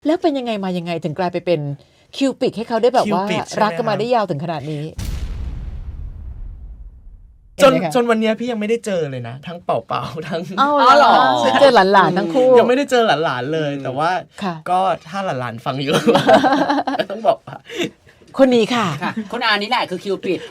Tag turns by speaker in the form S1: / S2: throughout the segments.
S1: แล้วเป็นยังไงมายังไงถึงกลายไปเป็นคิวปิดให้เขาได้แบบว่า
S2: Cupid ใช่ไหม
S1: รักกันมาได้ยาวถึงขนาดนี้
S2: จนวันนี้พี่ยังไม่ได้เจอเลยนะทั้งเป่าทั้ง
S1: อ้าวเหรอเจอหลานๆทั้งคู่
S2: ยังไม่ได้เจอหลานๆเลย แต่ว่า
S1: ค่ะ
S2: ก็ถ้าหลานๆฟังอยู่ ต้องบอกว่า
S1: คนนี้ค่ะ
S3: ค่ะคนอานี่แหละคือคิวปิด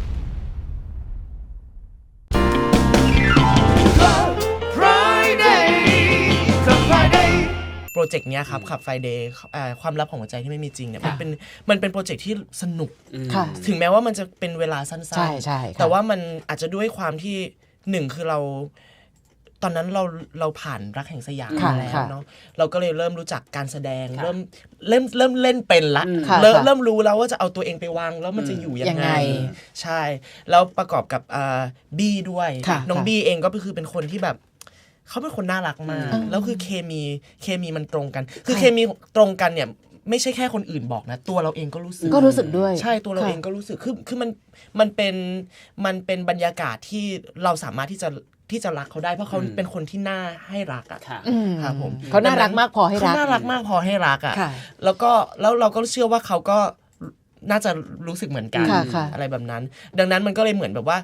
S2: โปรเจกต์เนี้ยครับขับไฟเดย์ความลับของหัวใจที่ไม่มีจริงเนี่ยมันเป็นโปรเจกต์ที่สนุก
S1: ค่ะ
S2: ถึงแม้ว่ามันจะเป็นเวลาสั้น
S1: ใช่ใช่ค่ะ
S2: แต่ว่ามันอาจจะด้วยความที่หนึ่งคือเราตอนนั้นเราผ่านรักแห่งสยาม
S1: ค่ะ
S2: มาแล้ว
S1: ค่ะ
S2: เนาะเราก็เลยเริ่มรู้จักการแสดงเริ่มเล่นเป็นละ
S1: ค่ะ
S2: เริ่มรู้แล้วว่าจะเอาตัวเองไปวางแล้วมันจะอยู่ยัง
S1: ยัง
S2: ไง
S1: ไง
S2: ใช่แล้วประกอบกับบี้ด้วย
S1: ค่ะ
S2: น้อง
S1: ค่ะ
S2: บี้เองก็คือเป็นคนที่แบบเขาเป็นคนน่ารักมากแล้วคือเคมีมันตรงกัน คือเคมีตรงกันเนี่ยไม่ใช่แค่คนอื่นบอกนะตัวเราเองก็รู้สึก
S1: ก็รู้สึกด้วย
S2: ใช่ตัวเราเองก็รู้สึกคือมันเป็นบรรยากาศที่เราสามารถที่จะรักเขาได้เพราะเขาเป็นคนที่น่าให้รักอ่ะ
S3: ค่ะ
S2: ครับผม
S1: เขาน่ารักมากพอให้รัก
S2: เขาน่ารักมากพอให้รักอ่ะ
S1: ค่ะ
S2: แล้วเราก็เชื่อว่าเขาก็น่าจะรู้สึกเหมือนกัน
S1: ค่ะค่ะ
S2: อะไรแบบนั้น ดังนั้นมันก็เลยเหมือนแบบว่า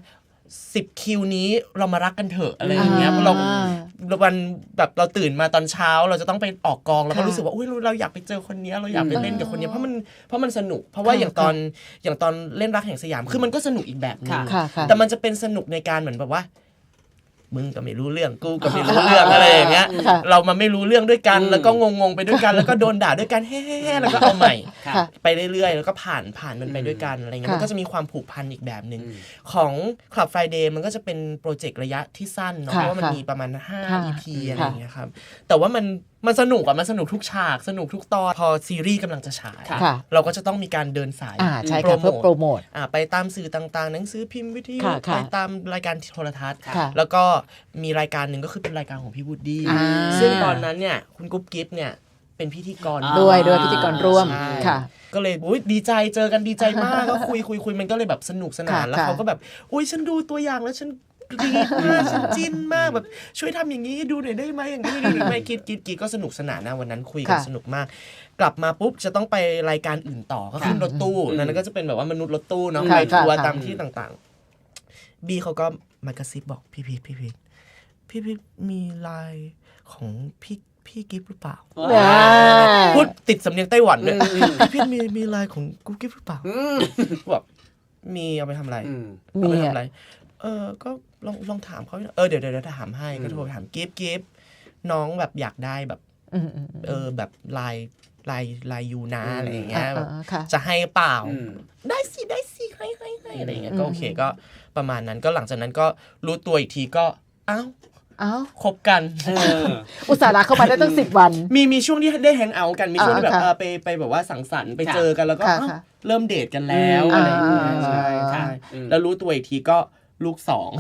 S2: 10 คิวนี้เรามารักกันเถอะอะไรอย่างเงี้ยเราวันแบบเราตื่นมาตอนเช้าเราจะต้องไปออกกองเราก็รู้สึกว่าอุ้ยเราอยากไปเจอคนนี้เราอยากไปเล่นกับคนนี้เพราะมันสนุกเพราะว่าอย่างตอนเล่นรักแห่งสยามคือมันก็สนุกอีกแบบนึง
S1: ค่ะค่ะ
S2: แต่มันจะเป็นสนุกในการเหมือนแบบว่ามึงก็ไม่รู้เรื่องกูก็ไม่รู้เรื่องอะไรอย่างเงี้ย
S1: ค่ะ
S2: เรามาไม่รู้เรื่องด้วยกันแล้วก็งงๆไปด้วยกันแล้วก็โดนด่าด้วยกันเฮ้ๆแล้วก็เอาใหม่
S1: ค่ะ
S2: ไปเรื่อยๆแล้วก็ผ่านมันไปด้วยกันอะไรเงี้ย
S1: ค่ะ
S2: มันก็จะมีความผูกพันอีกแบบหนึ่งของ Club Friday มันก็จะเป็นโปรเจกต์ระยะที่สั้นเนาะ
S1: ค่ะ
S2: เพราะว่ามัน
S1: ค่ะ
S2: มีประมาณ
S1: ค่ะ
S2: 5 EP อะไรอย่างเงี้ยครับแต่ว่ามันสนุกอะมันสนุกทุกฉากสนุกทุกตอนพอซีรีส์กำลังจะฉาย
S1: ค่ะ
S2: เราก็จะต้องมีการเดินสาย
S1: ใช่ค่ะเพื่อโปรโมท
S2: ไปตามสื่อต่างๆ หนังสือพิมพ์วิทยุ
S1: ค่ะค่ะ
S2: ไปตามรายการโทรทัศน์
S1: ค่ะ
S2: แล้วก็มีรายการหนึ่งก็คือเป็นรายการของพี่วูดดี้
S1: อ่า
S2: ซึ่งตอนนั้นเนี่ยคุณกุ๊บกิ๊บเนี่ยเป็นพิธีกร
S1: ด้วยพิธีกรร่วม
S2: ใช่
S1: ค่ะ
S2: ก็เลยอุ๊ยดีใจเจอกันดีใจมากก็คุยมันก็เลยแบบสนุกสนาน
S1: ค่ะ
S2: แล้วเขาก็แบบอุ๊ยฉันดูตัวอย่างแล้วฉันดีมากฉันจิ้นมากแบบช่วยทำอย่างนี้ให้ดูหน่อยได้ไหมอย่างนี้ดูหน่อยไหมคิดก็สนุกสนานนะวันนั้นคุยกัน
S1: ค่ะ
S2: สนุกมาก กลับมาปุ๊บจะต้องไปรายการอื่นต่อก็ขึ้นรถตู้นั้นก็จะเป็นแบบว่ามนุษย์รถตู้เนาะ
S1: ค่ะ
S2: ไปทัวร์
S1: ค่ะ
S2: ตามที่ต่างๆบีเขาก็มากระซิบบอกพี่มีไลน์ของพี่กิฟหรือเปล่า
S1: อ่า
S2: พูดติดสำเนียงไต้หวันเลยพี่มีไลน์ของกุ๊กกิ๊บหรือเปล่าบอกมีเอาไปทำอะไรเอาไปทำอะไรก็ลองถามเขาเดี๋ยวถามให้ก็โทรไปถามกิฟน้องแบบอยากได้แบบแบบไลน์ยูนะอะไรอย่างเงี้ยแบบ
S1: ค่ะ
S2: จะให้เปล่าได้สิให้อะไรอย่างเงี้ยก็โอเคก็ประมาณนั้นก็หลังจากนั้นก็รู้ตัวอีกทีก็อ้าวคบกัน
S1: อุตส่าห์รักเข้ามาได้ตั้ง10 วัน
S2: มีช่วงที่ได้แฮงเอาท์กันมีช่วงที่แบบ
S1: ค่ะ
S2: ไปแบบว่าสังสรรค์ไปเจอกันแล้วก็
S1: ค่ะ
S2: อ้าว
S1: ค่ะ
S2: เริ่มเดทกันแล้วอะไรอย่างเงี้ย
S1: อ่า
S2: ใช่แล้วรู้ตัวอีกทีก็ลูก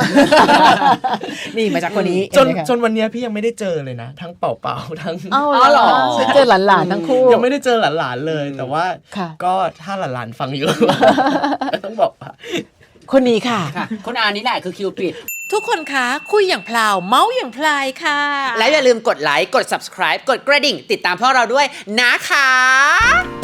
S1: นี่มาจากคนนี้
S2: 2จนวันนี้พี่ยังไม่ได้เจอเลยนะทั้งเป่าทั้ง
S1: เหรอเจอหลานๆทั้งคู่
S2: ยังไม่ได้เจอหลานๆเลยแต่ว่า
S1: ค่ะ
S2: ก็ถ้าหลานๆฟังอยู่ ต้องบอกว่า
S1: คนนี้ค่ะ
S3: ค่ะคนอานี่แหละคือคิวปิด
S1: ทุกคนคะคุยอย่างพลาวเมาส์อย่างพลายค่ะ
S3: และอย่าลืมกดไลค์กด subscribe กดกระดิ่ง ติดตามพวกเราด้วยนะคะ